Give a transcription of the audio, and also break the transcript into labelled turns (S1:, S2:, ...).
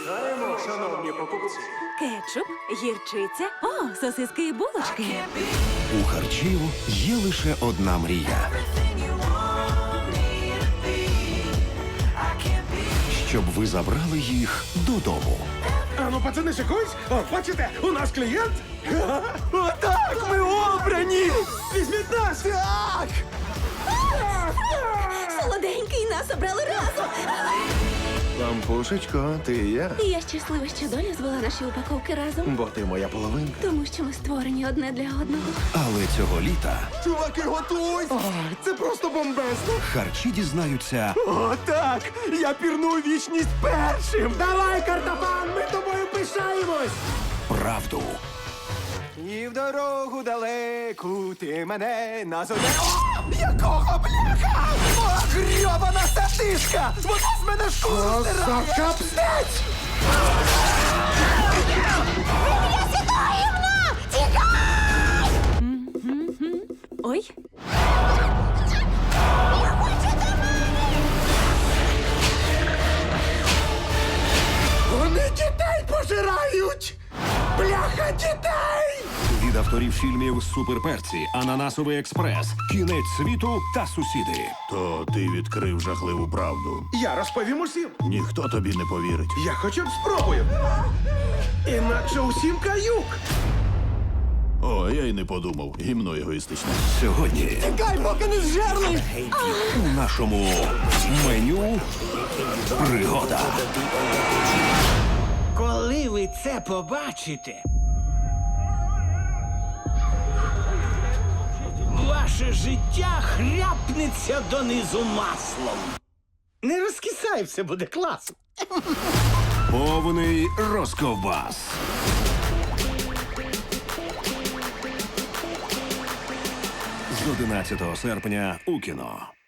S1: Починаємо, шановні покупці.
S2: Кетчуп, гірчиця, сосиски і булочки.
S3: У харчів є лише одна мрія. Щоб ви забрали їх додому.
S1: Ану, пацани, шикуйсь. О, бачите, у нас клієнт.
S3: Отак, ми обрані!
S1: Візьміть нас.
S3: Так!
S2: Солоденький, нас обрали разом.
S3: Лампушечко, ти і я.
S2: І я щаслива, що доля звела наші упаковки разом.
S3: Бо ти моя половинка.
S2: Тому що ми створені одне для одного.
S3: Але цього літа
S1: Чуваки, готуй. Це просто бомбезно.
S3: харчі дізнаються,
S1: О, так. Я пірну у вічність першим. Давай, картофан, ми тобою пишаємось.
S3: правду.
S1: І в дорогу далеку ти мене назове. Якого бляха? О, грьобана сатишка! Вона з мене шкуру стирає! Капстець!
S2: Ой,
S1: Вони дітей пожирають! Бляха, дітей!
S3: Від авторів фільмів «Суперперці», «Ананасовий експрес», «Кінець світу» та «Сусіди».
S4: То ти відкрив жахливу правду.
S1: Я розповім усім.
S4: Ніхто тобі не повірить.
S1: Я хоча б спробую. Інакше усім каюк.
S4: О, я й не подумав. Гімно егоїстичне.
S3: Сьогодні
S1: Тікай, поки не зжерли!
S3: у нашому меню пригода.
S5: Коли ви це побачите, ваше життя хряпнеться донизу маслом. Не розкисай, все буде класно.
S3: Повний розковбас. З 11 серпня у кіно.